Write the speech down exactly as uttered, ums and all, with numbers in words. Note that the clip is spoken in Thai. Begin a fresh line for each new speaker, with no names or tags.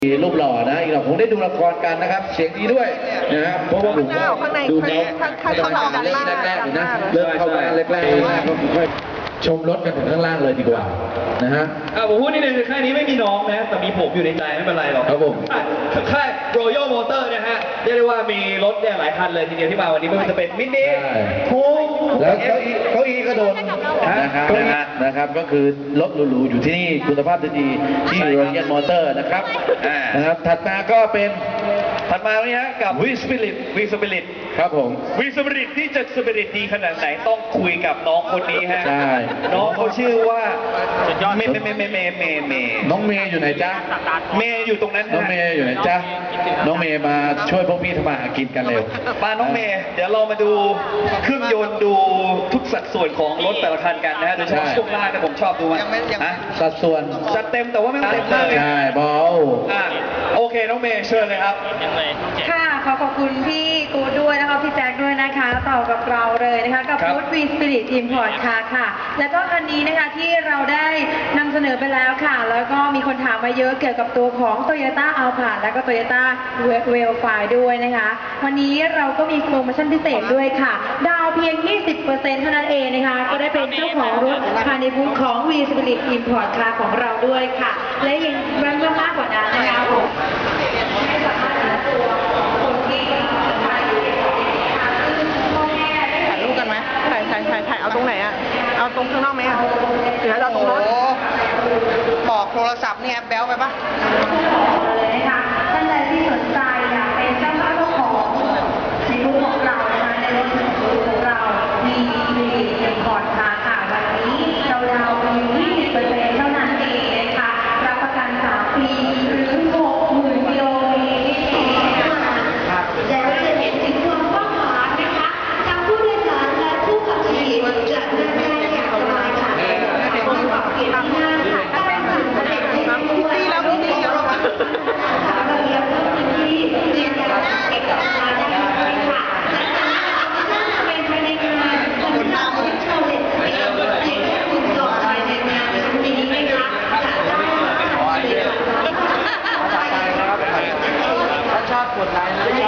รูปหล่อนะอีกหน่อยผมได้ดูละครกันนะครับเสียงดีด้วยนะครับเพราะว่าผมก็ดูเขาเขาทำงานเรื่องแรกๆอยู่นะเริ่มเข้ามาแรกๆแรกๆก็ค่อยชมรถกันถึงข้างล่างเลยดีกว่านะฮะ
ผมพูดนิดนึงคือค่ายนี้ไม่มีน้องนะแต่มีผมอยู่ในใจไม่เป็นไรหรอก
ครับผม
ค่าย Royal Motor นะฮะเรียกได้ว่ามีรถเนี่ยหลายคันเลยทีเดียวที่มาวันนี้ไม่ว่าจะเป็นมินิคู
แล้วเก้าอี้เก้าอี้ก็โดนนะครับนะครับก็คือรถหรูๆอยู่ที่นี่คุณภาพดีที่ Royal Motor นะครับนะครับถัดมาก็เป็น
ถัดมาเนี่ยฮะกับ V Spirit V Spirit
ครับผม
V Spirit ที่จะ Spirit ดีขนาดไหนต้องคุยกับน้องคนนี้ฮะ
ใช่
น้องเขาชื่อว่าเมย์เมย์เมย์เมย์เมย์เมย์
น้องเมย์อยู่ไหนจ๊ะ
เมย์อยู่ตรงนั้น
น้องเมย์อยู่ไหนจ๊ะน้องเมย์มาช่วยพวกพี่ทำมาหากินกันเร็ว
มาน้องเมย์เดี๋ยวเรามาดูเครื่องยนต์ดูทุกสัดส่วนของรถแต่ละคันกันนะฮะโดยเฉพาะช่วงล่างเนี่ยผมชอบดูมันนะ
สัดส่วน
จัดเต็มแต่ว่าไม่เต็มเลย
ใช่บอล
อ่ะโอเคน้องเมย์เชิญเลยครับ
ค่ะขอขอบคุณพี่กูดด้วยนะคะพี่แจ็คด้วยนะคะต่อกับเราเลยนะคะกับฟู้ดวีสปิริตอิมพอร์ตค่ะค่ะแล้วก็คันนี้นะคะที่เราได้นำเสนอไปแล้วค่ะแล้วก็มีคนถามมาเยอะเกี่ยวกับตัวของ Toyota Alphard และก็ Toyota Wellfire ด้วยนะคะวันนี้เราก็มีโปรโมชั่นพิเศษด้วยค่ะดาวเพียง ยี่สิบเปอร์เซ็นต์ เท่านั้นเองนะคะก็ได้เป็นเจ้าของรถภายในบูธของ V Spirit Import ค่ะของเราด้วยค่ะและยังรันมากกว่านั้นนะคะผมให้สามารถหาตัวคนที่ถ่าย
รูปกันไหมถ่ายถ่ายถ่ายถ่ายเอาตรงไหนอ่ะเอาตรงข้างนอกไหมอ่ะหรือเราตรงรถบอกโทรศัพท์เนี่ยแบ๊วไปปะ
เลยนะคะท่านใดที่สนใจอยากเป็นเจ้าภาพของในรูปของเรานะคะในรถของเรามีมีเอ็มพอร์ตค่ะค่ะวันนี้เราดาวน์ ยี่สิบเปอร์เซ็นต์ เท่านั้นเองนะคะรับประกันสามปีหรือหกหมื่นกิโลเมตรและจะเห็นถึงความกว้างขวางนะคะทั้งผู้โดยสารและผู้ขับขี่จะนั่งได้อย่างสบายค่ะคนขับขี่นั่งค่ะได้ค่ะ
ดีแล้วดีแล้วเรา
ระเบียบที่เรียนการเอกสารได้ค่ะและจะเป็นภายในงานคนทำที่เราเด็ดเด็ดเด็ดคุณต่อไปในงานครั้งนี้นะคะจะได้ค่ะ
ถ้าชอบกดไลค์นะ